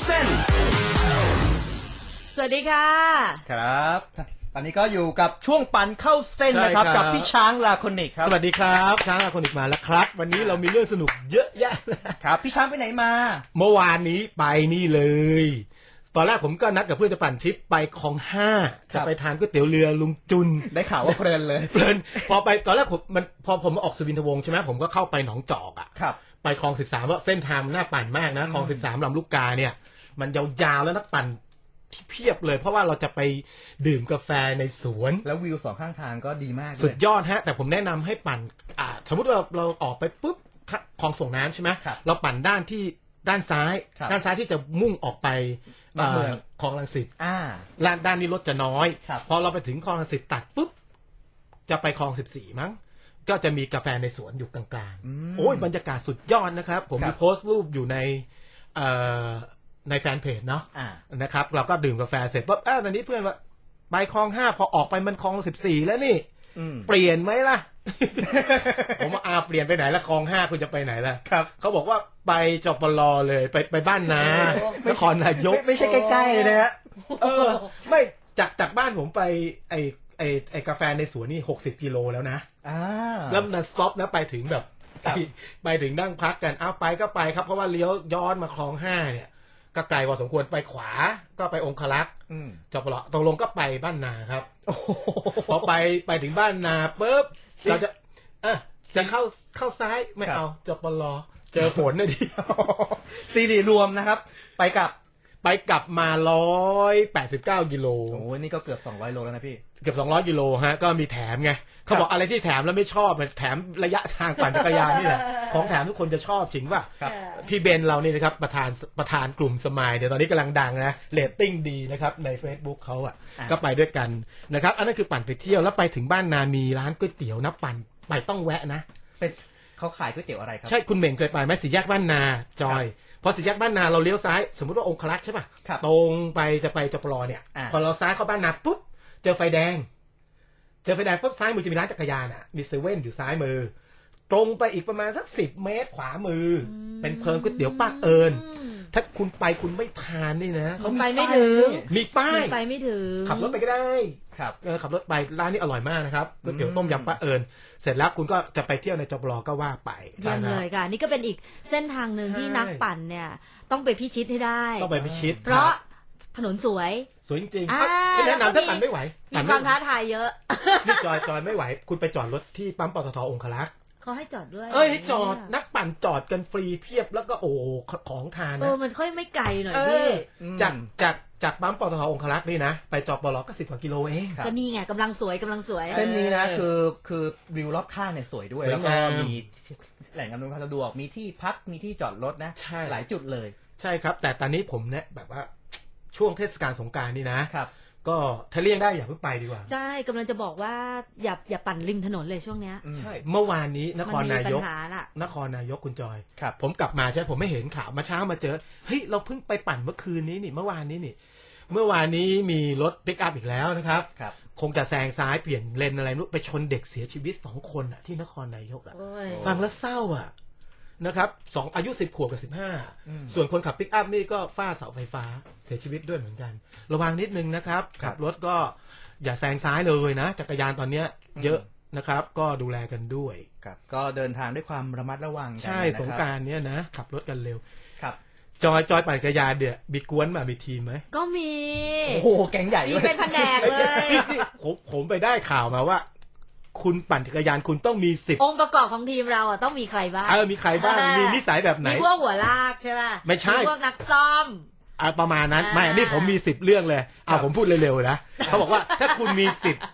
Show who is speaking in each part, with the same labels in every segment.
Speaker 1: เส้น
Speaker 2: สวัสดีค่ะ
Speaker 3: ครับตอนนี้ก็อยู่กับช่วงปั่นเข้าเส้นนะครับกับพี่ช้างลาโคนิกครับ
Speaker 4: สวัสดีครับช้างลาโคนิกมาแล้วครับวันนี้เรามีเรื่องสนุกเยอะแยะ
Speaker 3: ครับพี่ช้างไปไหนมา
Speaker 4: เมื่อวานนี้ไปนี่เลยตอนแรกผมก็นัดกับเพื่อนจะปั่นทริปไปคลอง5จะไปทานก๋วยเตี๋ยวเรือลุงจุน
Speaker 3: ได้ข่าวว่าเพลินเลย
Speaker 4: เพลินพอไปตอนแรกพอผมออกสุวินทวงศ์ใช่ไหมผมก็เข้าไปหนองจอกอ่ะไปคลอง13เพราะเส้นทางน่าปั่นมากนะคลอง13ลำลูกกาเนี่ยมันยาวๆแล้วนักปั่นเพียบเลยเพราะว่าเราจะไปดื่มกาแฟในสวน
Speaker 3: แล้ววิวสองข้างทางก็ดีมาก
Speaker 4: สุดยอดฮะแต่ผมแนะนำให้ปั่นสมมติว่าเราออกไปปุ๊บคลองส่งน้ำใช่ไหมเราปั่นด้านซ้ายที่จะมุ่งออกไปคลองรังสิตด้านนี้รถจะน้อยพอเราไปถึงคลองรังสิตตัดปุ๊บจะไปคลอง14มั้งก็จะมีกาแฟในสวนอยู่กลางๆโอ้ยบรรยากาศสุดยอดนะครับผมมีโพสต์รูปอยู่ในแฟนเพจเนาะนะครับเราก็ดื่มกาแฟเสร็จปุ๊บตอนนี้เพื่อนว่าไปคลอง5พอออกไปมันคลอง14แล้วนี่เปลี่ยนไหมล่ะ ผมว่าเปลี่ยนไปไหนละคลอง5คุณจะไปไหนล่ะเขาบอกว่าไปจปลเลยไปบ้านนานครนายก
Speaker 3: ไม่ใช่ใกล้ๆเลยนะฮะ
Speaker 4: ไม่จากบ้านผมไปไอ้กาแฟในสวนนี่60กิโลแล้วนะแล้วมันสต็อปนะไปถึงแบบไปถึงนั่งพักกันไปก็ไปครับเพราะว่าเลี้ยวย้อนมาคลอง5เนี่ยก็ไกลพอสมควรไปขวาก็ไปองคลักษ์จปลตรงลงก็ไปบ้านนาครับพอไปถึงบ้านนาปุ๊บเราจะเข้าซ้ายไม่เอาจปลเจอฝนนะดิ
Speaker 3: ซีรีรวมนะครับไปกลับ
Speaker 4: มา189กิโล
Speaker 3: โอ้นี่ก็เกือบ200โลแล้วนะพี่
Speaker 4: เกือบ200กิโลฮะก็มีแถมไงเขาบอกอะไรที่แถมแล้วไม่ชอบแถมระยะทางปั่นจักรยานนี่แหละของแถมทุกคนจะชอบจริงป่ะพี่เบนเรานี่นะครับประธานกลุ่มสมายเดี๋ยวตอนนี้กำลังดังนะเรตติ้งดีนะครับใน Facebook เขาก็ไปด้วยกันนะครับอันนั้นคือปั่นไปเที่ยวแล้วไปถึงบ้านนามีร้านก๋วยเตี๋ยวนะปั่นไปต้องแวะนะ
Speaker 3: เป็นเขาขายก๋วยเตี๋ยวอะไรครับ
Speaker 4: ใช่คุณเหม่งเคยไปไหมสี่แยกบ้านนาจอยพอสี่แยกบ้านนาเราเลี้ยวซ้ายสมมติว่าองคลักษ์ใช่ป่ะตรงไปจะไปจปลเนี่ยพอเราซ้ายเข้าบ้านนาปุ๊บเจอไฟแดงปุ๊บซ้ายมือจะมีร้านจักรยานมีเซเว่นอยู่ซ้ายมือตรงไปอีกประมาณสัก10เมตรขวามือเป็นเพิงก๋วยเตี๋ยวป้าเอิญถ้าคุณไปคุณไม่ทานนี่นะ
Speaker 2: เขาไปไม่ถึง
Speaker 4: มีป้าย
Speaker 2: ไปไม่ถึง
Speaker 4: ขับรถไปก็ได้ขับรถไปร้านนี้อร่อยมากนะครับก๋วยเตี๋ยวต้มยำป้าเอิญเสร็จแล้วคุณก็จะไปเที่ยวในจปลก็ว่าไป
Speaker 2: เยี่ยมเลยค่ะนี่ก็เป็นอีกเส้นทางหนึ่งที่นักปั่นเนี่ยต้องไปพิชิตให้ได้
Speaker 4: ต้องไปพิชิต
Speaker 2: เพราะถนนสวย
Speaker 4: จริงๆไม่แนะนำถ้าปั่นไม่ไหว
Speaker 2: มีความท้าทายเยอะ
Speaker 4: นี่จอยไม่ไหวคุณไปจอดรถที่ปั๊มปตท.องคลักษ์
Speaker 2: เขาให้จอดด้วย
Speaker 4: ให้จอดนักปั่นจอดกันฟรีเพียบแล้วก็ของทาน
Speaker 2: นะมันค่อยไม่ไกลหน่อยพี่
Speaker 4: จากปั๊มปตท.องคลักษ์นี่นะไปจปลก็10 กว่ากิโลเอง
Speaker 2: ก็นี่ไงกำลังสวย
Speaker 3: เส้นนี้นะคือวิวรอบข้างเนี่ยสวยด้วยแล้วก็มีแหล่งอำนวยความสะดวกมีที่พักมีที่จอดรถนะหลายจุดเลย
Speaker 4: ใช่ครับแต่ตอนนี้ผมเนี่ยแบบว่าช่วงเทศกาลสงกรานต์นี่นะครับก็ถ้าเลี่ยงได้อย่าเพิ่งไปดีกว่า
Speaker 2: ใช่กำลังจะบอกว่าอย่าปั่นริมถนนเลยช่วงเนี้ย
Speaker 4: ใช่เมื่อวานนี้นครนายกคุณจอยผมกลับมาใช่ผมไม่เห็นข่าวมาเช้ามาเจอเฮ้ยเราเพิ่งไปปั่นเมื่อคืนนี้นี่เมื่อวานนี้มีรถปิกอัพอีกแล้วนะครับคงจะแซงซ้ายเปลี่ยนเลนอะไรนู้ไปชนเด็กเสียชีวิต2คนที่นครนายกฟังแล้วเศร้านะครับอายุ10 ขวบกับ15ส่วนคนขับปิกอัพนี่ก็ฟาดเสาไฟฟ้าเสียชีวิตด้วยเหมือนกันระวังนิดนึงนะครับขับรถก็อย่าแซงซ้ายเลยนะจักรยานตอนนี้เยอะนะครับก็ดูแลกันด้วย
Speaker 3: ก็เดินทางด้วยความระมัดระวัง
Speaker 4: ใช่สงกรานต์เนี้ยนะขับรถกันเร็วครับจอยปั่นจักรยานเดี๋ยวมีกวนมีทีมไหม
Speaker 2: ก็มี
Speaker 3: โอ้โหแก๊งใหญ่
Speaker 2: มีเป็นแผนกเลย
Speaker 4: ผมไปได้ข่าวมาว่าคุณปั่นจักรยานคุณต้องมี10
Speaker 2: องค์ประกอบของทีมเราต้องมีใครบ้าง
Speaker 4: มีใครบ้างมีนิสัยแบบไหน
Speaker 2: มีพวกหัวลากใช่ป่ะ
Speaker 4: ไม่ใช่
Speaker 2: พวกนักซ่อม
Speaker 4: ประมาณนั้นไม่นี่ผมมี10เรื่องเลยผมพูดเร็วๆนะเขาบอกว่าถ้าคุณมี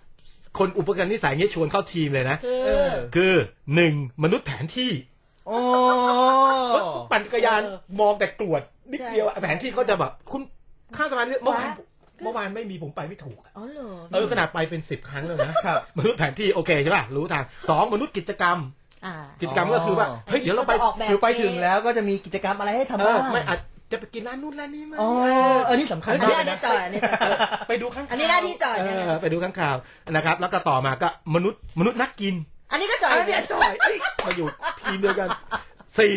Speaker 4: 10คนอุปกรณ์นิสัยงี้ชวนเข้าทีมเลยนะคือ1มนุษย์แผนที่ปั่นจักรยานมองแต่กรวดนิดเดียวแผนที่เขาจะแบบคุณข้ามสะพานเมื่อวานไม่มีผมไปไม่ถูกขนาดไปเป็น10ครั้งแล้วนะมนุษย์แผนที่โอเคใช่ป่ะรู้ทาง2มนุษย์กิจกรรมก็คือว่าเฮ้ยเดี๋ยวเราไป
Speaker 3: คือไปถึงแล้วก็จะมีกิจกรรมอะไรให้ทำบ้าง
Speaker 4: ไม่อาจจะไปกินร้านนู่นร้านนี้มั้ย
Speaker 3: นี่สำคัญ
Speaker 2: มากนะ
Speaker 4: ไปดูข้าง
Speaker 2: อันนี้หน้าที่จอด
Speaker 4: ไปดูข้างข่าวนะครับแล้วก็ต่อมาก็มนุษย์นักกิน
Speaker 2: อันนี้ก็จอด
Speaker 4: มาอยู่ทีมเดียวกัน4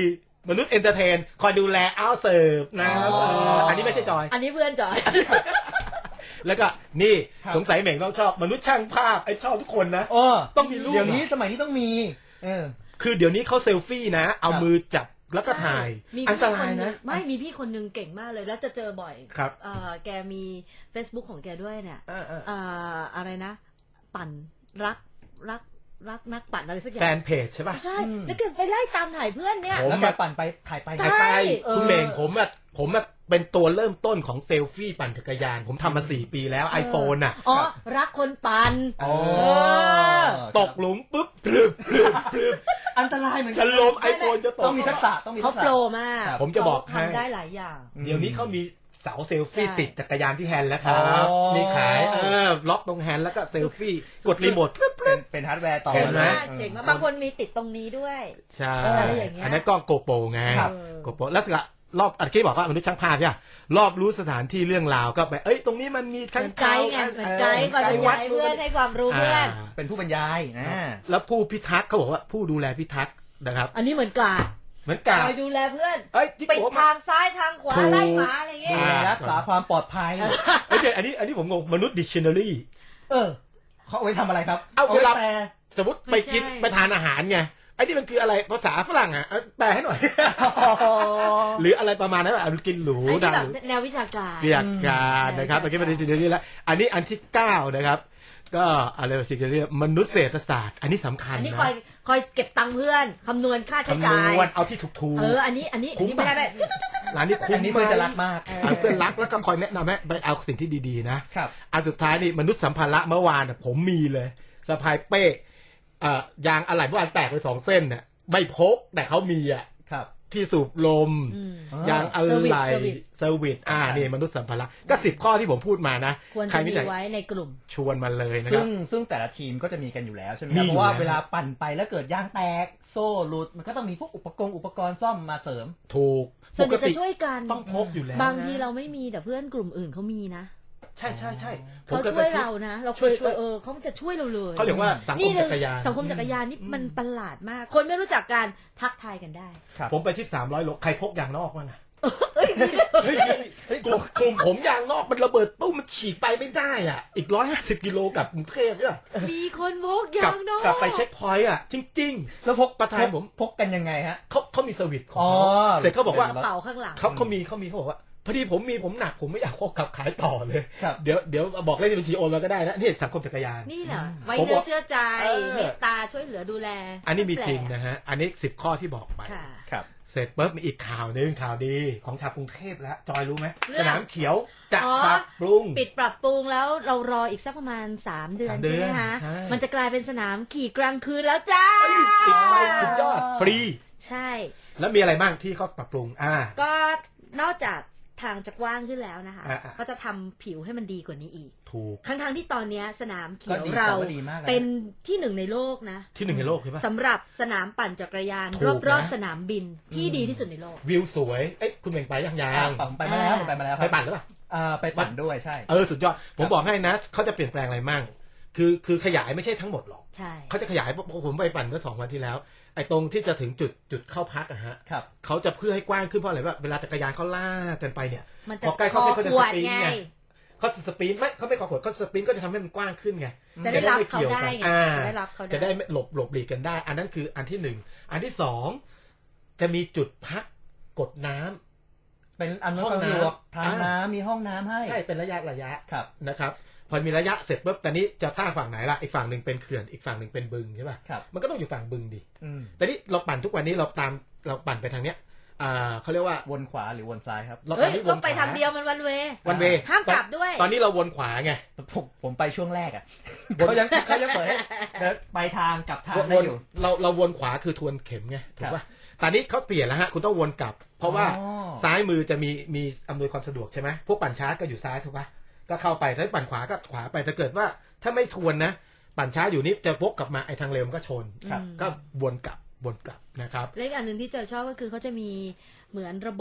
Speaker 4: มนุษย์เอนเตอร์เทนคอยดูแลเอาเสิร์ฟนะอันนี้ไม่ใช่จอย
Speaker 2: อันนี้เพื่อนจอย
Speaker 4: แล้วก็นี่สงสัยเหม่งต้องชอบมนุษย์ช่างภาพไอ้ชอบทุกคนนะต้องมีรูป
Speaker 3: เดี๋ยวนี้สมัยนี้ต้องมี
Speaker 4: คือเดี๋ยวนี้เขาเซลฟี่นะเอามือจับแล้วก็ถ่ายอันตรายนะ
Speaker 2: ไม่มีพี่คนนึงเก่งมากเลยแล้วจะเจอบ่อย
Speaker 4: ครับ
Speaker 2: แกมี Facebook ของแกด้วยเนี่ยอะไรนะปั่นรักนักปั่นอะไรสักอย่าง
Speaker 4: แฟนเพจใช่ป่ะ
Speaker 2: ใช่แล้วแกไปไล่ตามถ่ายเพื่อนเนี่ย
Speaker 3: แล้วแกปั่นไปถ่ายไป
Speaker 4: คุณเมงผมเป็นตัวเริ่มต้นของเซลฟี่ปั่นจักรยานผมทำมา4 ปีแล้ว iPhone อ่ะ
Speaker 2: รักคนปั่น
Speaker 4: ตกหลุมปุ๊บพลึบ
Speaker 3: อันตรายเหมือนกั
Speaker 4: จะล้ม iPhone จะตก
Speaker 3: ต้องมีทักษะ
Speaker 2: เขาโปรมาก
Speaker 4: ผมจะบอกให้
Speaker 2: ทำได้หลายอย่าง
Speaker 4: เดี๋ยวนี้เขามีเสาเซลฟี่ติดจักรยานที่แฮนด์แล้วครับมีขายล็อกตรงแฮนด์แล้วก็เซลฟี่กดรีโมท
Speaker 3: เป็นฮาร์ดแวร์ต่อ
Speaker 2: เจ๋งมากบางคนมีติดตรงนี้ด้วย
Speaker 4: ใช่อันนั้นกล้องโกโปรไงโกโปรแล้วรอบอันที่บอกว่ามนุษย์ช่างภาพใช่รอบรู้สถานที่เรื่องราวก็ไปตรงนี้มันมี
Speaker 2: ข้างไกด์ไงไกด์ก่อนบรรยายเพื่อนให้ความรู้เพื่อน
Speaker 3: เป็นผู้บรรยายนะ
Speaker 4: แล้วผู้พิทักษ์เขาบอกว่าผู้ดูแลพิทักษ์นะครับ
Speaker 2: อันนี้เหมือนกาคอยดูแลเพื่อนปิดทางซ้ายทางขวาไล่หมาอะไรเงี้ย
Speaker 3: รักษาความปลอดภัย
Speaker 4: อันนี้ผมงงมนุษย์ดิกชันนารี
Speaker 3: เขาเอาไว้ทำอะไรครับ
Speaker 4: เอาเวลาสมมติไปกินไปทานอาหารไงไอ้นี่มันคืออะไรภาษาฝรั่งอ่ะแปลให้หน่อยหรืออะไรประมาณนั้นแบบกินหรู
Speaker 2: ดังแนววิชาการ
Speaker 4: นะครับตะกี้เป็นดิกชันนารีแล้วอันนี้อันที่9นะครับก็อะไรสิ่งที่เรียกมนุษยเศรษฐศาสตร์อันนี้สำคัญนะ
Speaker 2: อันนี้คอยเก็บตังค์เพื่อนคำนวณค่าใช้จ่าย
Speaker 4: คำนวณเอาที่ถูก
Speaker 2: อันนี้ไม่ได้
Speaker 4: ร้านนี้คุ้ม
Speaker 3: นี่เพื่อนจะรักมาก
Speaker 4: เพื่อนรักแล้วก็คอยแนะนำให้ไปเอาสิ่งที่ดีๆนะครับอันสุดท้ายนี่มนุษย์สัมภาระเมื่อวานผมมีเลยสะพายเป้ยางอะไหล่เมื่อวานแตกไป2 เส้นเนี่ยไม่พกแต่เขามีที่สูบลมยางอะไหล่เซอร์วิสนี่มนุษย์สัมภาระก็10 ข้อที่ผมพูดมานะ
Speaker 2: ใครมีไว้ในกลุ่ม
Speaker 4: ชวนมาเลยนะครับ
Speaker 3: ซึ่งแต่ละทีมก็จะมีกันอยู่แล้วใช่ไหมเพราะว่าเวลาปั่นไปแล้วเกิดยางแตกโซ่หลุดมันก็ต้องมีพวกอุปกรณ์ซ่อมมาเสริม
Speaker 4: ถูก
Speaker 2: ส่วนจะช่วยกัน
Speaker 4: ต้องพกอยู่แล้ว
Speaker 2: บางทีเราไม่มีแต่เพื่อนกลุ่มอื่นเขามีนะ
Speaker 4: ใช่
Speaker 2: เขาช่วยเรานะเราช่วยเขาจะช่วยเราเลย
Speaker 4: เขาเรียกว่าสังคมจักรยาน
Speaker 2: สังคมจักรยานนี่มันประหลาดมากคนไม่รู้จักการทักทายกันได้
Speaker 4: ผมไปที่300 โลใครพกยางนอกบ้างอะกลุ่มผมยางนอกมันระเบิดตู้มันฉีกไปไม่ได้อ่ะอีก150 กิโลกับกรุงเทพเนี่ย
Speaker 2: มีคนพกยางนอก
Speaker 4: กลับไปเช็คพอยต์อ่ะจริงๆแล้วพกประธานผม
Speaker 3: พกกันยังไงฮะ
Speaker 4: เขามีเซอร์วิสของเสร็จเขาบอกว่า
Speaker 2: เป๋าข้างหลัง
Speaker 4: เขามีเขาบอกว่าพอดีผมหนักผมไม่อยากขับขายต่อเลยเดี๋ยวบอกเลขบัญชีโอนมาก็ได้นะนี่สังคมจักรยาน
Speaker 2: นี่เหรอไว้เนื้อเชื่อใจเมตตาช่วยเหลือดูแล
Speaker 4: อันนี้มีจริงนะฮะอันนี้10 ข้อที่บอกไปครับเสร็จปุ๊บมีอีกข่าวนึงข่าวดีของชาวกรุงเทพแล้วจอยรู้ไหมสนามเขียวจะปรับปรุง
Speaker 2: ปิดปรับปรุงแล้วเรารออีกสักประมาณ3 เดือนใช่ไหมคะมันจะกลายเป็นสนามขี่กลางคืนแล้วจ้า
Speaker 4: ปิดไปสุดยอดฟรี
Speaker 2: ใช่
Speaker 4: แล้วมีอะไรบ้างที่เขาปรับปรุง
Speaker 2: ก็นอกจากทางจะกว้างขึ้นแล้วนะคะก็จะทำผิวให้มันดีกว่านี้อีก
Speaker 4: ถูก
Speaker 2: ทั้งที่ตอนนี้สนามเขียวเราเป็นที่1ในโลกนะ
Speaker 4: ที่1ในโลกใช่ปะ
Speaker 2: สำหรับสนามปั่นจักรยานรอบๆสนามบินที่ดีที่สุดในโลก
Speaker 4: วิวสวยคุณเม่งไปยัง
Speaker 3: ไปมาแล้วไป
Speaker 4: ปั่นหรือเปล่า
Speaker 3: ไปปั่นด้วยใช่
Speaker 4: สุดยอดผมบอกให้นะเขาจะเปลี่ยนแปลงอะไรมั่งคือขยายไม่ใช่ทั้งหมดหรอกเขาจะขยายผมไปปั่นเมื่อ2 วันที่แล้วไอ้ตรงที่จะถึงจุดเข้าพักอะฮะเขาจะเพื่อให้กว้างขึ้นเพราะอะไรว่าเวลาจักรยานเขาลากกันไปเนี่ยพอใกล้เข้าเขาจะสปริงไงเขาสปริงเขาไม่ขอขดเขาสปริงก็จะทำให้มันกว้างขึ้นไง
Speaker 2: จะได้รับเขาได้ไง
Speaker 4: จะได้หลบหลีกกันได้อันนั้นคืออันที่1อันที่2จะมีจุดพักกดน้ำ
Speaker 3: เป็นอันนั้นสะดวกทางน้ำมีห้องน้ำให้
Speaker 4: ใช่เป็นระยะนะครับพอมีระยะเสร็จปุ๊บตอนนี้จะท่าฝั่งไหนล่ะอีกฝั่งหนึ่งเป็นเขื่อนอีกฝั่งหนึ่งเป็นบึงใช่ป่ะมันก็ต้องอยู่ฝั่งบึงดิแต่นี่เราปั่นทุกวันนี้เราปั่นไปทางเนี้ยเขาเรียกว่า
Speaker 3: วนขวาหรือวนซ้ายครับ
Speaker 2: ต้องไปทางเดียวมันวันเวห้ามกลับด้วย
Speaker 4: ตอนนี้เราวนขวาไง
Speaker 3: ผมไปช่วงแรกเขายังเปิดให้ไปทางกลับทางได้อยู่
Speaker 4: เราวนขวาคือทวนเข็มไงถูกป่ะตอนนี้เขาเปลี่ยนแล้วฮะคุณต้องวนกลับเพราะว่าซ้ายมือจะมีอำนวยความสะดวกใช่ไหมพวกปั่นช้าก็อยู่ซ้ายถูกป่ะก็เข้าไปถ้าปั่นขวาก็ขวาไปถ้าเกิดว่าถ้าไม่ทวนนะปั่นช้าอยู่นี่จะวกกลับมาไอ้ทางเร็วมันก็ชนก็วนกลับนะครับ
Speaker 2: และอีกอันหนึ่งที่เจอชอบก็คือเขาจะมีเหมือนระบบ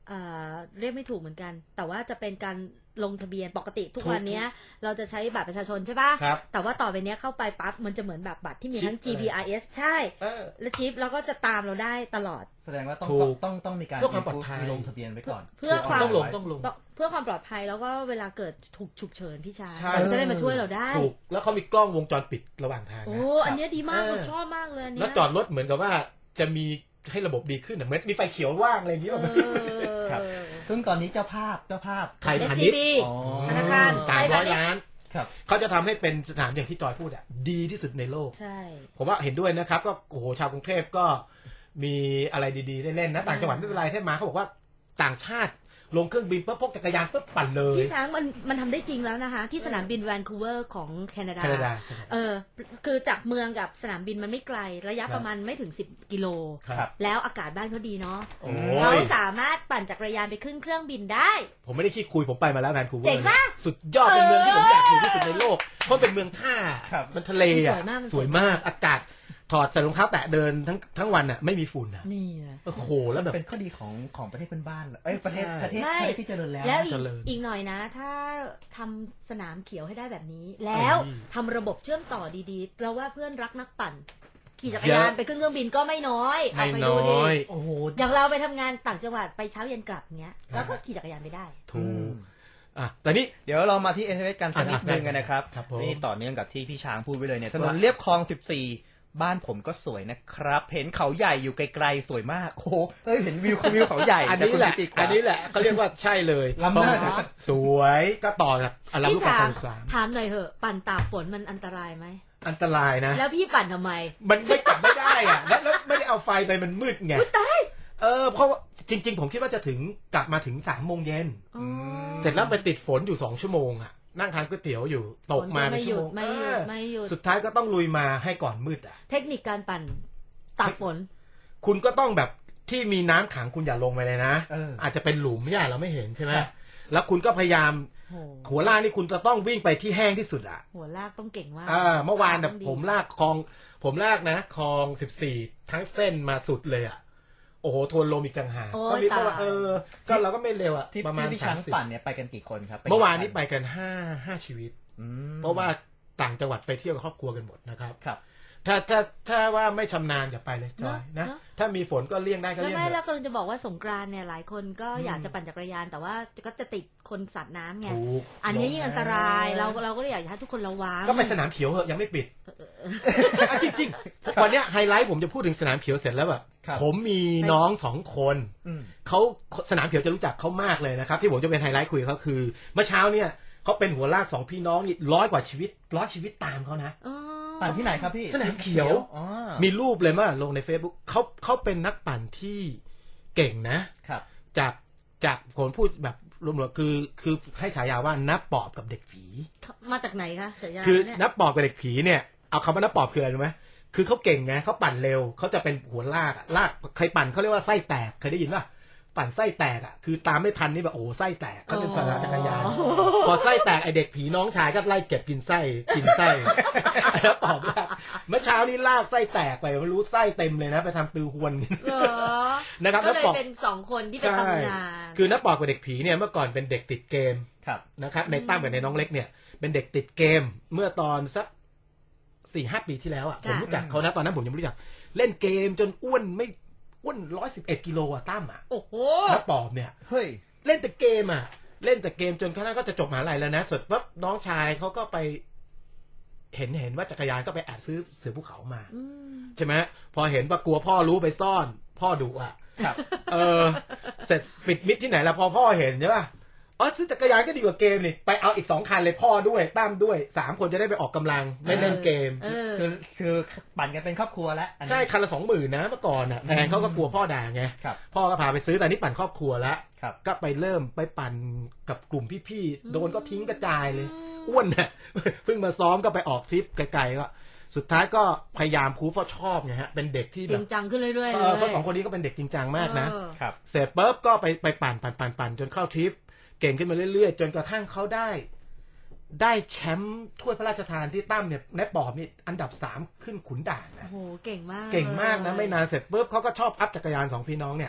Speaker 2: เรียกไม่ถูกเหมือนกันแต่ว่าจะเป็นการลงทะเบียนปกติทุกวันนี้เราจะใช้บัตรประชาชนใช่ป่ะแต่ว่าต่อไปนี้เข้าไปปั๊บมันจะเหมือนแบบบัตรที่มีทั้ง GPRS ใช่และชิปแล้วก็จะตามเราได้ตลอด
Speaker 3: แสดงว่าต้องมีการเพื่อความปลอดภัยลงทะเบียนไว้ก่อน
Speaker 2: เพื่อความ
Speaker 4: ต้องลง
Speaker 2: เพื่อความปลอดภัยแล้วก็เวลาเกิดถูกฉุกเฉินพี่ชายจะได้มาช่วยเราได้
Speaker 4: ถูกแล้วเขามีกล้องวงจรปิดระหว่างทาง
Speaker 2: โอ้อันนี้ดีมากผมชอบมากเลย
Speaker 4: แล้วจอดรถเหมือนกับว่าจะมีให้ระบบดีขึ้นเหมือนมีไฟเขียวว่างอะไรอย่างนี้
Speaker 3: ครับซึ่งตอนนี้เจ้าภาพ
Speaker 4: ไทยพาณิชย์
Speaker 2: ธนาคาร
Speaker 4: 300 ล้านเขาจะทำให้เป็นสนามอย่างที่จอยพูดดีที่สุดในโลก
Speaker 2: ใช่
Speaker 4: ผมว่าเห็นด้วยนะครับก็โอ้โหชาวกรุงเทพก็มีอะไรดีๆได้เล่นนะต่างจังหวัดไม่เป็นไรแค่มาเขาบอกว่าต่างชาติลงเครื่องบินปุ๊บพกจักรยานปุ๊บปั่นเลย
Speaker 2: พี่ช้างมันทำได้จริงแล้วนะคะที่สนามบินแวนคูเวอร์ของแคนาดาคือจากเมืองกับสนามบินมันไม่ไกลระยะประมาณไม่ถึง10 กิโลแล้วอากาศบ้านเขาดีเนาะเราสามารถปั่นจักรยานไปขึ้นเครื่องบินได้
Speaker 4: ผมไม่ได้ขี้คุยผมไปมาแล้วแวนคูเวอร์
Speaker 2: เจ๋งมาก
Speaker 4: สุดยอดเป็นเมืองที่ผมอยากอยู่ที่สุดในโลกเพราะเป็นเมืองท่ามันทะเลสวยมากอากาศถอดใส่รองเท้าแตะเดินทั้งวันน่ะไม่มีฝุ่น
Speaker 2: นี่
Speaker 4: โอ้โหแล้วแบบ
Speaker 3: เป็นข้อดีของประเทศเพื่อนบ้านประเทศที่เจริญแล้ว
Speaker 2: อีกหน่อยนะถ้าทำสนามเขียวให้ได้แบบนี้แล้วทำระบบเชื่อมต่อดีๆเราว่าเพื่อนรักนักปั่นขี่จักรยานไปขึ้นเครื่องบินก็ไม่น้อยเอาไปดูดิอย่างเราไปทำงานต่างจังหวัดไปเช้าเย็นกลับเงี้ยแล้วก็ขี่จักรยานไปได้
Speaker 4: ถูกแต่นี้
Speaker 3: เดี๋ยวเรามาที่ SMS กันสักนิดนึงกันนะครับนี่ต่อเนื่องกับที่พี่ช้างพูดไปเลยเนี่ยถนนเลียบคลอง14บ้านผมก็สวยนะครับเห็นเขาใหญ่อยู่ไกลๆสวยมากโอ้โหเห็นวิวเขาใหญ่
Speaker 4: อันนี้แหละเขาเรียกว่าใช่เลย
Speaker 3: ลำหน้า
Speaker 4: สวยก็ต่อจาก
Speaker 2: พี่ช้างถามหน่อยเหอะปั่นตากฝนมันอันตรายไหม
Speaker 4: อันตรายนะ
Speaker 2: แล้วพี่ปั่นทำไม
Speaker 4: มันไม่กลับไม่ได้อ่ะแล้วไม่ได้เอาไฟไปมันมืดไง
Speaker 2: ตาย
Speaker 4: เพราะจริงๆผมคิดว่าจะกลับมาถึง3 โมงเย็นเสร็จแล้วไปติดฝนอยู่2 ชั่วโมงอ่ะนั่งทานก๋วยเตี๋ยวอยู่ตกมา
Speaker 2: ไม่
Speaker 4: ชั่วโมง
Speaker 2: ไม่หยุด
Speaker 4: สุดท้ายก็ต้องลุยมาให้ก่อนมืด
Speaker 2: เทคนิคการปั่นตากฝน
Speaker 4: คุณก็ต้องแบบที่มีน้ำขังคุณอย่าลงไปเลยนะอาจจะเป็นหลุมเนี่ยเราไม่เห็นใช่ไหมแล้วคุณก็พยายามหัวลากนี่คุณจะต้องวิ่งไปที่แห้งที่สุดอ่ะ
Speaker 2: หัวลากต้องเก่งมาก
Speaker 4: เมื่อวานแบบผมลากคลองคลอง14ทั้งเส้นมาสุดเลยอ่ะโอ้โหทวนลมอีกต่างหากก็มีเพราะว่าก็เราก็ไม่เร็วอ่ะ
Speaker 3: ประมาณที่ช้างปั่นเนี่ยไปกันกี่คนครับ
Speaker 4: เมื่อวานนี้ไปกัน5 ชีวิตเพราะว่าต่างจังหวัดไปเที่ยวกับครอบครัวกันหมดนะครับถ้าว่าไม่ชำนาญอย่าไปเลยจอยนะถ้ามีฝนก็เลี่ยงได้ก็เลี่ยง
Speaker 2: ไม่แล้วก็จะบอกว่าสงกรานต์เนี่ยหลายคนก็อยากจะปั่นจักรยานแต่ว่าก็จะติดคนสัตว์น้ำไงอันนี้ยิ่งอันตรายเราก็เลยอยากให้ทุกคนระวัง
Speaker 4: ก็ไปสนามเขียวเหอะยังไม่ปิดจริงๆวันนี้ไฮไลท์ผมจะพูดถึงสนามเขียวเสร็จแล้วแบบผมมีน้อง2 คนเขาสนามเขียวจะรู้จักเขามากเลยนะครับที่ผมจะเป็นไฮไลท์คุยเขาคือเมื่อเช้าเนี่ยเขาเป็นหัวลาก2 พี่น้องนี่100 กว่าชีวิตตามเขานะ
Speaker 3: ปั่นที่ไหนครับพี่
Speaker 4: สนามเขียวมีรูปเลยมาลงใน Facebook เขาเป็นนักปั่นที่เก่งนะครับจากผมพูดแบบรวมๆคือให้ฉายาว่านับปอบกับเด็กผี
Speaker 2: มาจากไหนคะฉายา
Speaker 4: คือนับปอบกับเด็กผีเนี่ยเอาคำว่านับปอบคืออะไรรู้ไหมคือเขาเก่งไงเขาปั่นเร็วเขาจะเป็นหัวลากใครปั่นเขาเรียกว่าไส้แตกเคยได้ยินป่ะปั่นไส้แตกอ่ะคือตามไม่ทันนี่แบบโอ้ไส้แตกเขาเป็นสนามจักรยานพอไส้แตกไอเด็กผีน้องชายก็ไล่เก็บกินไส้แล้วตอบว่าเมื่อเช้านี้ลากไส้แตกไปไม่รู้ไส้เต็มเลยนะไปทำตือหวนนะครับ
Speaker 2: ก็เลยเป็น2 คนที่เป็นตำนาน
Speaker 4: คือนักปอบกับเด็กผีเนี่ยเมื่อก่อนเป็นเด็กติดเกมนะครับในตั้มกับในน้องเล็กเนี่ยเป็นเด็กติดเกมเมื่อตอนสัก4-5 ปีที่แล้วอ่ะผมรู้จักเขานะตอนนั้นผมยังไม่รู้จักเล่นเกมจนอ้วน111 กิโลอ่ะตั้มอ่ะ
Speaker 2: โอ้โห
Speaker 4: นักปอบเนี่ย
Speaker 3: เฮ้ย
Speaker 4: เล่นแต่เกมจนคณะก็จะจบมหาลัยแล้วนะสุดปั๊บน้องชายเขาก็ไปเห็นว่าจักรยานก็ไปแอบซื้อเสือภูเขามาใช่ไหมพอเห็นว่ากลัวพ่อรู้ไปซ่อนพ่อดุอ่ะเสร็จปิดมิดที่ไหนแล้วพอพ่อเห็นใช่ป่ะซื้อจักรยานก็ดีกว่าเกมนี่ไปเอาอีก2 คันเลยพ่อด้วยตั้มด้วย3 คนจะได้ไปออกกำลังไม่เล่นเกม
Speaker 3: คือปั่นกันเป็นครอบครัวแล้ว
Speaker 4: ใช่คันละ 20,000 นะเมื่อก่อนอ่ะแพงเขาก็กลัวพ่อด่าไงพ่อก็พาไปซื้อแต่นี่ปั่นครอบครัวแล้วก็ไปเริ่มไปปั่นกับกลุ่มพี่ๆโดนก็ทิ้งกระจายเลยอ้วนน่ะเพิ่งมาซ้อมก็ไปออกทริปไกลๆก็สุดท้ายก็พยายามพูดเพราะชอบไงฮะเป็นเด็กที่
Speaker 2: จริงจังขึ้นเรื่อย
Speaker 4: ๆเพราะ2 คนนี้ก็เป็นเด็กจริงจังมากนะเสร็จปุ๊บก็ไปปั่นจนเข้าทริปเก่งขึ้นมาเรื่อยๆจนกระทั่งเขาได้แชมป์ถ้วยพระราชทานที่ตั้มเนี่ยในปอบนี่อันดับ3ขึ้นขุนด่านนะ
Speaker 2: โอ้โหเก่งมาก
Speaker 4: นะไม่นานเสร็จปุ๊บเขาก็ชอบอัพจักรยาน2 พี่น้องเนี่ย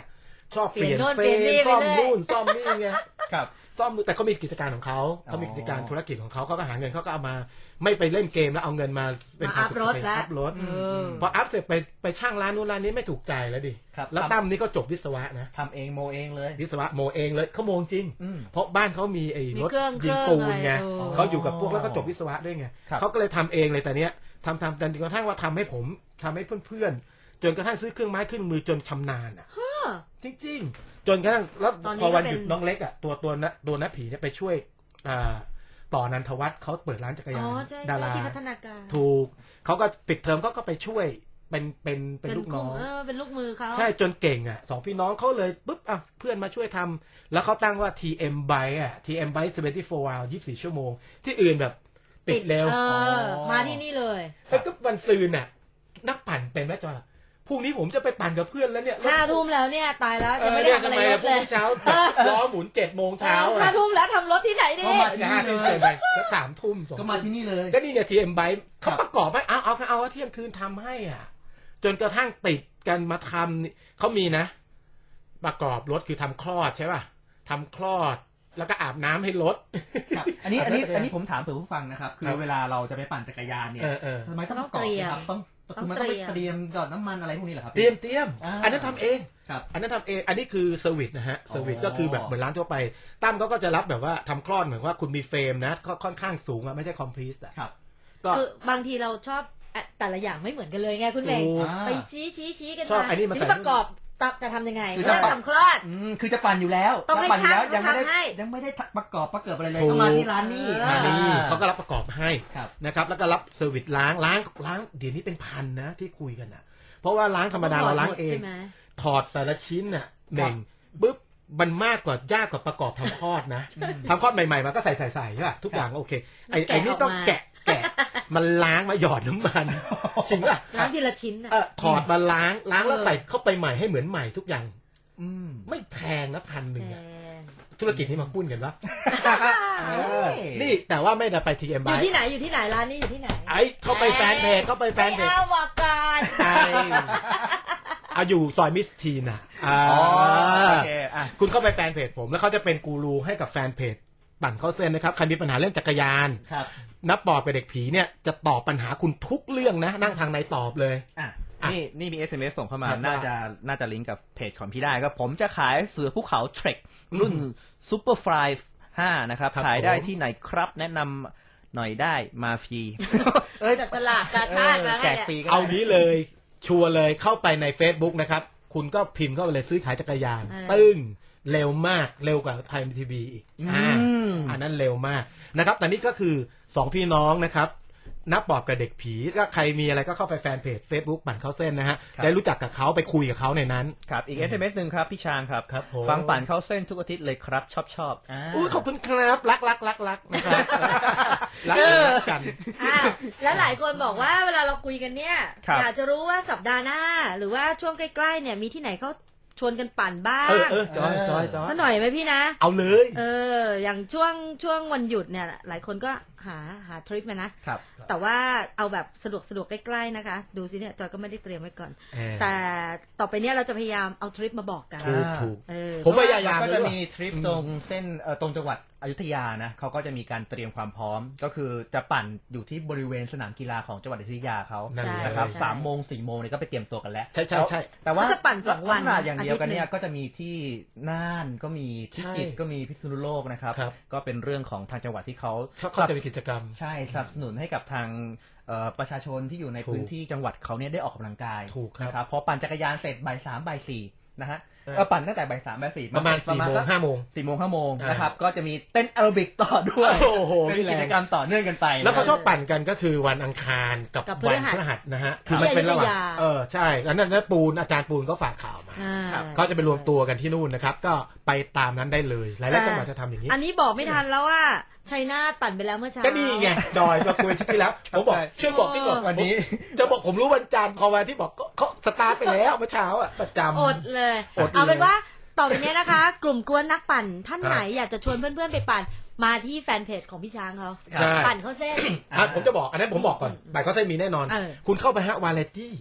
Speaker 4: ชอบเปลี่ยน
Speaker 2: เปลี่ยนโน่นเปลี่ยนนี่
Speaker 4: ซ่อม
Speaker 2: ไปเรื่อย
Speaker 4: นู่นซ่อมนี่ไง
Speaker 3: ครับ
Speaker 4: ซ่อมแต่เขามีกิจการของเขา
Speaker 3: อ๋อ
Speaker 4: เขามีกิจการธุรกิจของเขาก็หาเงินเขาก็เอามาไม่ไปเล่นเกมแล้วเอาเงินมาเป็นความสุข
Speaker 2: มาอัพรถ
Speaker 4: เป็น
Speaker 2: แล้ว
Speaker 4: อัพรถ
Speaker 2: ม
Speaker 4: พออัพเสร็จไปช่างร้านนู้นร้านนี้ไม่ถูกใจแล้วดิ
Speaker 3: ครับ
Speaker 4: แล้วตั้มนี่ก็จบวิศวะนะ
Speaker 3: ทำเองโมเองเลย
Speaker 4: วิศวะโมเองเลยเขาโมจริง
Speaker 3: อืม
Speaker 4: เพราะบ้านเขามีไอ้
Speaker 2: มี
Speaker 4: รถ
Speaker 2: เครื่อง
Speaker 4: ยิงปูนไง
Speaker 2: อะไร
Speaker 4: เขาอยู่กับพวกแล้วก็จบวิศวะด้วยไง
Speaker 3: ครับ
Speaker 4: เขาก็เลยทำเองเลยแต่เนี้ยทำจนกระทั่งว่าทำให้ผมทำให้เพื่อนๆจนกระทั่งซื้อเครื่องไม้เครื่องมือจนชำนาญอ่ะจริงๆ จนกระทั่งแล้ว
Speaker 2: ตอนนี้
Speaker 4: พอวัน
Speaker 2: ก็เป็น
Speaker 4: หยุดน้องเล็กอ่ะตัวน้าผีเนี่ยไปช่วยต่อนันทวัฒน์เขาเปิดร้านจักร
Speaker 2: อ๋
Speaker 4: ยา
Speaker 2: อน ใช่
Speaker 4: ดา
Speaker 2: ใช่
Speaker 4: รา
Speaker 2: ที่พัฒนาการ
Speaker 4: ถูกเขาก็ปิดเทอมเขาก็ไปช่วยเป็นลูกน้อง
Speaker 2: เป็นลูกมือเขา
Speaker 4: ใช่จนเก่งอ่ะสองพี่น้องเขาเลยปุ๊บอ่ะเพื่อนมาช่วยทำแล้วเขาตั้งว่า TM Byte อ่ะ TM Byte 24 hour 24 ชั่วโมง ที่อื่นแบบปิดเร็ว
Speaker 2: มาที่นี่เลย
Speaker 4: เฮ้ยก็วันซืนน่ะนักปั่นเป็นไหมจอยพรุ่งนี้ผมจะไปปั่นกับเพื่อนแล้วเนี่ย
Speaker 2: 5 ทุ่มแล้วเนี่ยตายแล้วยังไม่ได้ทำอะไร
Speaker 4: ทำไม
Speaker 2: ร
Speaker 4: อ่ะ
Speaker 2: ถ
Speaker 4: พรุ่
Speaker 2: เล
Speaker 4: ง
Speaker 2: ย
Speaker 4: นี้เช้าล้อหมุน7 โมงเช้า
Speaker 2: ห้าทุ่มแล้วทำรถที่ไหนดี
Speaker 3: ก็มา
Speaker 4: 5 ทุ่มเกินไปแล้ว3 ทุ่ม
Speaker 3: ก็มาที่นี่เลย
Speaker 4: ก็นี่เนี่ย TM Byte
Speaker 3: ครั
Speaker 4: เขา
Speaker 3: บ
Speaker 4: ประกอบไว้เอาเที่ยงคืนทำให้อ่ะจนกระทั่งติดกันมาทำนี่เขามีนะ ประกอบรถคือทำคลอดใช่ป่ะทำคลอดแล้วก็อาบน้ำให้รถ
Speaker 3: ครับอันนี้ผมถามเผื่อผู้ฟังนะครับ คือเวลาเราจะไปปั่นจักรยานเนี่ยทำไมต้องประกอบนะครับต้องไปเตรียมหยอดน้ำมันอะไรพวกนี้เหรอครับ
Speaker 4: เตรียมอันนั้นทำเอง
Speaker 3: ครับ
Speaker 4: อันนั้นทำเองอันนี้คือเซอร์วิสนะฮะเซอร์วิสก็คือแบบเหมือนร้านทั่วไปตั้มเขาก็จะรับแบบว่าทำคลอดเหมือนว่าคุณมีเฟรมนะค่อนข้างสูงอะไม่ใช่คอมพลีทอะ
Speaker 3: ครับ
Speaker 4: ก็
Speaker 2: คือบางทีเราชอบแต่ละอย่างไม่เหมือนกันเลยไงคุณเมง
Speaker 4: ถูก
Speaker 2: ไปชี้กัน
Speaker 4: ชอบ
Speaker 2: มา
Speaker 4: อันนี้มา
Speaker 2: ที
Speaker 4: ใส่
Speaker 2: นี้ประกอบจะทำยังไง
Speaker 3: คือ
Speaker 2: เรื่อง
Speaker 3: จะ
Speaker 2: ทำคลอด
Speaker 3: คือจะปั่นอยู่แล้ว
Speaker 2: ต้องให้
Speaker 3: ปั่นอยู่แล้ว
Speaker 2: ช่างเขาทำให้
Speaker 3: ยังไม่ได้ประกอบอะไรเลยต้องมาที่ร้านนี้
Speaker 4: มานี่เขาก็รับประกอบให้
Speaker 3: ครับ
Speaker 4: นะครับแล้วก็รับเซอร์วิสล้างเดี๋ยวนี้เป็นพันนะที่คุยกันอะเพราะว่าล้างธรรมดาเราล้างเอง
Speaker 2: ใช่ไหม
Speaker 4: ถอดแต่ละชิ้นน่ะเบ่งปุ๊บมันมากกว่ายากกว่าประกอบทำคลอดนะทำคลอดใหม่ๆมันก็ใส่ใช่ป่ะทุกอย่างโอเคไอ้นี่ต้องแกะมันล้างมาหยอดน้ำมันจริงป่ะ
Speaker 2: ล้างทีละชิ้นน่ะ
Speaker 4: ถอดมาล้างแล้วใส่เข้าไปใหม่ให้เหมือนใหม่ทุกอย่าง
Speaker 3: อืม
Speaker 4: ไม่แพงนะ1,100
Speaker 2: แพ
Speaker 4: อะ
Speaker 2: ง
Speaker 4: ธุรกิจนี้มาคุ้นกันปะนี่แต่ว่าไม่ได้ไป TM
Speaker 2: อยู่
Speaker 4: Byte
Speaker 2: ที่ไหนร้านนี้อยู่ที่ไหน
Speaker 4: ไอ้เข้าไปแฟนเพจ
Speaker 2: ไม่เอาวาการ
Speaker 4: เอาอยู่ซอยมิสทีนอ่ะ
Speaker 3: โอเคอ่ะ
Speaker 4: คุณเข้าไปแฟนเพจผมแล้วเขาจะเป็นกูรูให้กับแฟนเพจปั่นเข้าเส้นนะครับใครมีปัญหาเรื่องจักรยาน
Speaker 3: ครับ
Speaker 4: นับปอบกับเด็กผีเนี่ยจะตอบปัญหาคุณทุกเรื่องนะนั่งทางในตอบเลย
Speaker 3: อ่ะนี่มี SMS ส่งเข้ามา
Speaker 4: ครับ
Speaker 3: น่าจะลิงก์กับเพจของพี่ได้ก็ผมจะขายเสือภูเขาเทรครุ่น Super Fly 5 นะครับ ขายได้ที่ไหนครับแนะนำหน่อยได้มาฟรี
Speaker 2: จับฉลากกาชาติมา
Speaker 3: แจ
Speaker 2: ให้
Speaker 3: กฟรีก็
Speaker 4: เอานี้เลยชัวร์เลยเข้าไปใน Facebook นะครับคุณก็พิมพ์เข้าไปเลยซื้อขายจักรยานตึ้งเร็วมากเร็วกว่าไทยทีวีอีกอันนั้นเร็วมากนะครับแต่นี่ก็คือ2พี่น้องนะครับนับปอบกับเด็กผีถ้าใครมีอะไรก็เข้าไปแฟนเพจ Facebook ปั่นเข้าเส้นนะฮะได้รู้จักกับเขาไปคุยกับเขาในนั้น
Speaker 3: ครับอีก SMS หนึ่งครับพี่ชางครับ
Speaker 4: ครับผม
Speaker 3: ฟังปั่นเข้าเส้นทุกอาทิตย์เลยครับชอบ
Speaker 4: อุ้ยขอบคุณครับรักนะครับรักกัน
Speaker 2: แล้วหลายคนบอกว่าเวลาเราคุยกันเนี่ย
Speaker 3: ครับ
Speaker 2: อยากจะรู้ว่าสัปดาห์หน้า หรือว่าช่วงใกล้ๆเนี่ยมีที่ไหนเขาชวนกันปั่นบ้าง
Speaker 4: จอย
Speaker 2: สักหน่อยไหมพี่นะ
Speaker 4: เอาเลย
Speaker 2: อย่างช่วงวันหยุดเนี่ยหลายคนก็หาทริปมานะ
Speaker 3: ครับ
Speaker 2: แต่ว่าเอาแบบสะดวกใกล้ๆนะคะ ดูสิเนี่ยจอยก็ไม่ได้เตรียมไว้ก่อน แต่ต่อไปเนี่ยเราจะพยายามเอาทริปมาบอกกัน
Speaker 4: ถูก
Speaker 2: เออ
Speaker 4: ผมพยายาม
Speaker 3: ก็จะมีทริปตรงเส้นตรงจังหวัดอยุธยานะเขาก็จะมีการเตรียมความพร้อมก็คือจะปั่นอยู่ที่บริเวณสนามกีฬาของจังหวัดอยุธยาเขา
Speaker 4: นั่นเลย
Speaker 3: นะครับ
Speaker 2: ใช่
Speaker 3: 3 โมง 4 โมงเนี่ยก็ไปเตรียมตัวกันแล้ว
Speaker 4: ใช่
Speaker 3: แต่ว่า
Speaker 2: เขาจะปั่น2 วัน
Speaker 3: ลักษณะอย่างเดียวกันเนี่ย
Speaker 2: อาทิตย์หนึ่ง
Speaker 3: ก็จะมีที่น่านก็มีที่จิตรก็มีพิษณุโลกนะครับ
Speaker 4: ครับ
Speaker 3: ก็เป็นเรื่องของทางจังหวัดที่เขา
Speaker 4: เขาจะมีกิจกรรม
Speaker 3: ใช่สนับสนุนให้กับทางประชาชนที่อยู่ใน
Speaker 4: ถูก
Speaker 3: พื้นที่จังหวัดเขาเนี่ยได้ออกกำลังกาย
Speaker 4: ถูกครับ
Speaker 3: นะครับพอปั่นจักรยานเสร็จบ่าย3บ่าย4นะฮะปั่นตั้งแต่บ่าย3บ่าย4
Speaker 4: ประมาณ4 โมง 5 โมง
Speaker 3: 4 โมง 5 โมงนะครับก็จะมีเต้นแอโรบิกต่อด้วย
Speaker 4: โอ้โห
Speaker 3: เป็นกิจกรรมต่อเนื่องกันไป
Speaker 4: แล้วเขาชอบปั่นกันก็คือวันอังคารกับ
Speaker 2: กับ
Speaker 4: วัน
Speaker 2: พฤหัส
Speaker 4: พฤหัสนะฮะคือมันเป็นระหว่าง
Speaker 2: ที่อยุธยา
Speaker 4: ใช่แล้วนั่นปูนอาจารย์ปูนก็ฝากข่าวมา
Speaker 2: อ่า
Speaker 4: เขาจะไปรวมตัวกันที่นู่นนะครับ ก็ไปตามนั้นได้เลยหลายๆจังหวัดจะทำอย่างนี้
Speaker 2: อันนี้บอกไม่ทันแล้วว่าชัยนาทปั่นไปแล้วเมื่อเช้า
Speaker 4: ก็นี่ไงจอยมาคุยที่แล้วผมบอกช่วยบอกที่บอก
Speaker 3: วันนี้
Speaker 4: จะบอกผมรู้วันจันทร์พอวันที่บอกก็เขาสตาร์ทไปแล้วเมื่อเช้าอ่ะประจำ
Speaker 2: อดเลย
Speaker 4: อดเลย
Speaker 2: เอาเป็นว่าต่อไปเนี้ยนะคะ กลุ่มกวนนักปั่นท่านไหนอยากจะชวนเพื่อนๆไปปั่นมาที่แฟนเพจของพี่ช้างเขา
Speaker 4: ใช่
Speaker 2: ปั่นเขาเส้น
Speaker 4: ผมจะบอกอันนั้นผมบอกก่อนแต่เขาจะมีแน่นอน
Speaker 2: เออ
Speaker 4: คุณเข้าไปฮะวาเลตี้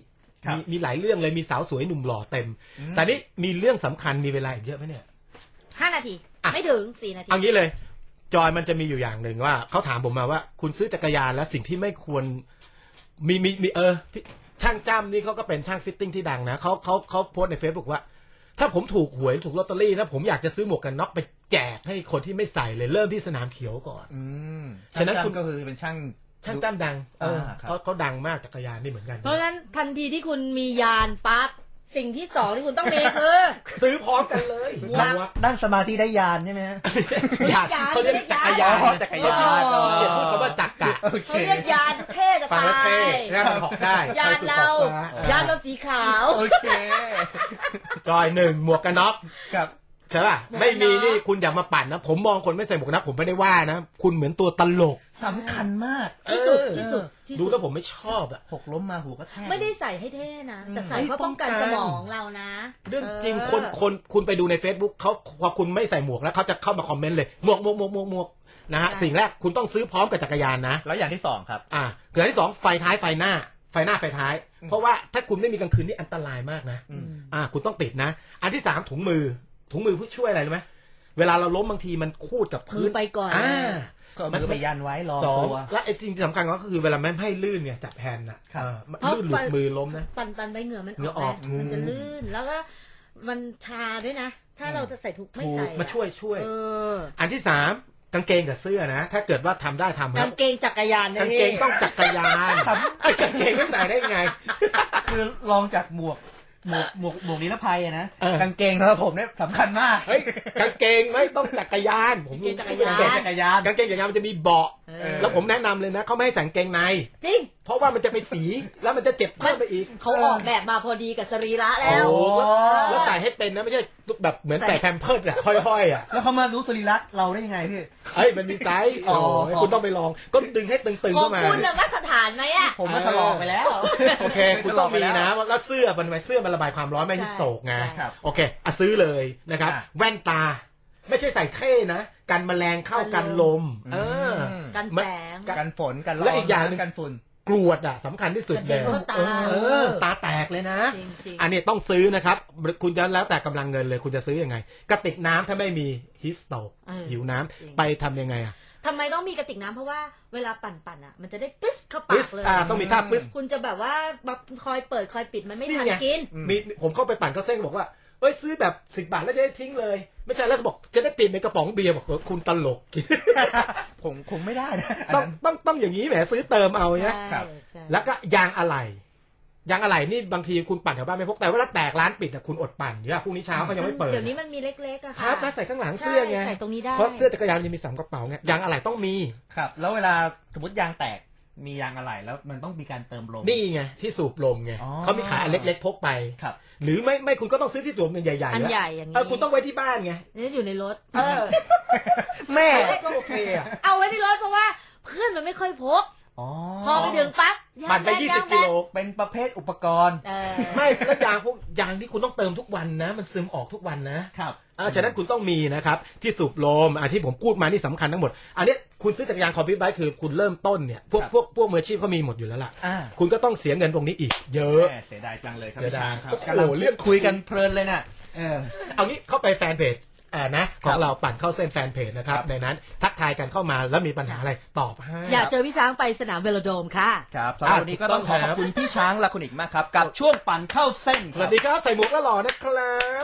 Speaker 4: มีหลายเรื่องเลยมีสาวสวยหนุ่มหล่อเต็มแต่นี่มีเรื่องสำคัญมีเวลาอีกเยอะไหมเนี่ย
Speaker 2: 5 นาทีไม่ถึง4 นาที
Speaker 4: เอางี้เลยจอยมันจะมีอยู่อย่างหนึ่งว่าเขาถามผมมาว่าคุณซื้อจักรยานแล้วสิ่งที่ไม่ควรมีช่างจ้ำนี่เขาก็เป็นช่างฟิตติ้งที่ดังนะเขาโพสต์ใน Facebook ว่าถ้าผมถูกหวยถูกลอตเตอรี่นะผมอยากจะซื้อหมวกกันน็อกไปแจกให้คนที่ไม่ใส่เลยเริ่มที่สนามเขียวก่อน
Speaker 3: ฉะนั้นคุณก็คือเป็นช่าง
Speaker 4: จ้ำดังเขาดังมากจักรยานนี่เหมือนกัน
Speaker 2: เพราะฉะนั้นทันทีที่คุณมียานปั๊บสิ่งที่2ที่คุณต้องมีคือ
Speaker 4: ซื้อพร้อมกันเลย
Speaker 3: ด้านสมาธิได้ยานใช่ไหม
Speaker 4: ยานเขาเรียกจักรยานอย่าพูดคำว่าจักร
Speaker 2: เขาเรียกยานเท่จะตาย
Speaker 4: แล้วมันหอกได้
Speaker 2: ยานเราสีขาว
Speaker 3: โอเค
Speaker 4: จอย1หมวกกันน็อก
Speaker 3: ครับ
Speaker 4: ใช่ป่ะไม่มีนี่คุณอย่ามาปั่นนะผมมองคนไม่ใส่หมวกกันน็อกผมไม่ได้ว่านะคุณเหมือนตัวตลก
Speaker 3: สำคัญมาก
Speaker 2: ที่สุด
Speaker 4: ดูแล้วผมไม่ชอบอ่ะ
Speaker 3: หกล้มมาหูก็แทก
Speaker 2: ไม่ได้ใส่ให้เท่นะแต่ใส่เพื่อป้องกันสมองเรานะ
Speaker 4: เรื่องจริงคุณไปดูใน Facebook เขาพอคุณไม่ใส่หมวกแล้วเขาจะเข้ามาคอมเมนต์เลยหมวกนะฮะสิ่งแรกคุณต้องซื้อพร้อมกับจักรยานนะ
Speaker 3: แล้วอย่างที่2ครับ
Speaker 4: อย่างที่2ไฟท้ายไฟหน้าไฟท้ายเพราะว่าถ้าคุณไม่มีกลางคืนนี่อันตรายมากนะคุณต้องติดนะอันที่3ถุงมือผู้ช่วยอะไรรู้ไหมเวลาเราล้มบางทีมันคูดกับพื้น
Speaker 2: ไปก่อน
Speaker 3: ก็มันไปยันไว้รอตัว
Speaker 4: และไอ้สิ่งที่สำคัญก็คือเวลาไม่ให้ลื่นเนี่ยจับแผ่นน่ะลื่นหลุดมือล้มนะ
Speaker 2: ปั่นไปเหงื่อมันออกมันจะลื่นแล้วก็มันชาด้วยนะถ้าเราจะใส่ถุงไม่ใส่
Speaker 4: มาช่วยอันที่3กางเกงกับเสื้อนะถ้าเกิดว่าทำได้ทำครับ
Speaker 2: กางเกงจักรยาน
Speaker 4: กางเกงต้องจักรยานกางเกงไม่ใส่ได้ไง
Speaker 3: คือลองจากหมวกนิรภัยนะกางเกงของผมเนี่ยสำคัญมาก
Speaker 4: กางเกงไม่ต้องจักรยานผม
Speaker 2: จักรยาน
Speaker 4: กางเกงจักรยานมันจะมีเบาะแล้วผมแนะนำเลยนะเขาไม่ให้ใส่กางเกงใน
Speaker 2: จริง
Speaker 4: เพราะว่ามันจะไปสีแล้วมันจะเจ็บเพิ่มไปอีก
Speaker 2: เขาออกแบบมาพอดีกับสรีระแล้ว
Speaker 4: แล้วใส่ให้เป็นนะไม่ใช่แบบเหมือนใส่แพมเพิร์สอะห้อยๆอะ
Speaker 3: แล้วเขามารู้สรีระเราได้ยังไงพี่
Speaker 4: มันมีไซส์คุณต้องไปลองก็ดึงให้ตึงๆขึ้นมา
Speaker 2: คุณมาตรฐานไหมอะ
Speaker 3: ผมมาทดลองไปแล้ว
Speaker 4: โอเคคุณต้องมีนะแล้วเสื้อมันระบายความร้อนไม่ใช่โศกไงโอเคซื้อเลยนะครับแว่นตาไม่ใช่ใส่เท่นะกันแมลงเข้ากันลม
Speaker 2: กันแสง
Speaker 3: กันฝนกันร้อน
Speaker 4: และอีกอย่างนึง
Speaker 3: กันฝุ่น
Speaker 4: กรวดสำคัญที่สุดเลยตาแตกเลยนะอันนี้ต้องซื้อนะครับคุณจะแล้วแต่กำลังเงินเลยคุณจะซื้อยังไงกระติกน้ำถ้าไม่มีฮิสโตกหิวน้ำไปทำยังไง
Speaker 2: ทำไมต้องมีกระติกน้ำเพราะว่าเวลาปั่นมันจะได้ปึ๊สเข้าปากเลย
Speaker 4: ต้องมีท่าปึ๊ส
Speaker 2: คุณจะแบบว่าคอยเปิดคอยปิดมันไม่ทันกิน
Speaker 4: ผมเข้าไปปั่นก็เส้นบอกว่าซื้อแบบ10 บาทแล้วจะได้ทิ้งเลยไม่ใช่แล้วบอกจะได้ปิดในกระป๋องเบียร์บอกคุณตลก
Speaker 3: ผมคงไม่ได้นะ
Speaker 4: ต้องอย่างนี้แหมซื้อเติมเอาเนี่ยแล้วก็ยางอะไหล่นี่บางทีคุณปั่นแถวบ้านไม่พกแต่ว่าแตกร้านปิดคุณอดปั่นเนี่ยพรุ่งนี้เช้าก็ยังไม่เปิด
Speaker 2: เดี๋ยวนี้มันมีเล็กๆอะค่ะ
Speaker 4: ครับใส่ข้างหลังเสื้อไง
Speaker 2: ใส่ตรงนี้ได้
Speaker 4: เพราะเสื้อจักรยานยังมี3 กระเป๋าไงยางอะไหล่ต้องมี
Speaker 3: ครับแล้วเวลาสมมติยางแตกมียางอะไหล่แล้วมันต้องมีการเติมลม
Speaker 4: นี่ไงที่สูบลมไงเขามีขายอันเล็กๆพกไปหรือไม่คุณก็ต้องซื้อที่สูบใหญ่ๆ
Speaker 2: อันใหญ่อย่างนี้
Speaker 4: คุณต้องไว้ที่บ้านไง
Speaker 2: นี่อยู่ในรถ
Speaker 4: แม่ก็โอเค
Speaker 2: เอาไว้ในรถเพราะว่าเพื่อนมันไม่ค่อยพกพอไปถึงปั๊บ
Speaker 4: ปั่นไป20 กิโล
Speaker 3: เป็นประเภทอุปกรณ์
Speaker 4: ไม่แล้วยางที่คุณต้องเติมทุกวันนะมันซึมออกทุกวันนะครับฉะนั้นคุณต้องมีนะครับที่สูบลมที่ผมพูดมานี่สำคัญทั้งหมดอันนี้คุณซื้อจักรยานคอมพิวเตอร์คือคุณเริ่มต้นเนี่ยพวกมืออาชีพเขามีหมดอยู่แล้วล่ะคุณก็ต้องเสียเงินตรงนี้อีกเยอะ
Speaker 3: เสียดายจังเลยครับ
Speaker 4: เสียดายครับ
Speaker 3: กำลังเรื่องคุยกันเพลินเลยน่ะ
Speaker 4: เอางี้เข้าไปแฟนเพจนะของเราปั่นเข้าเส้นแฟนเพจนะครับในนั้นทักทายกันเข้ามาแล้วมีปัญหาอะไรตอบให้
Speaker 2: อยากเจอพี่ช้างไปสนามเวโลโดมค่ะ
Speaker 3: ครับสำหรับวันนี้ก็ต้องขอบคุณพี่ช้างและคุณอีกมากครับกับช่วงปั่นเข้าเส้น
Speaker 4: สวัสดีครับใส่หมวกก็หล่อนะครับ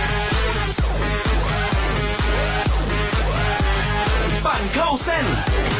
Speaker 1: ปั่นเข้าเส้น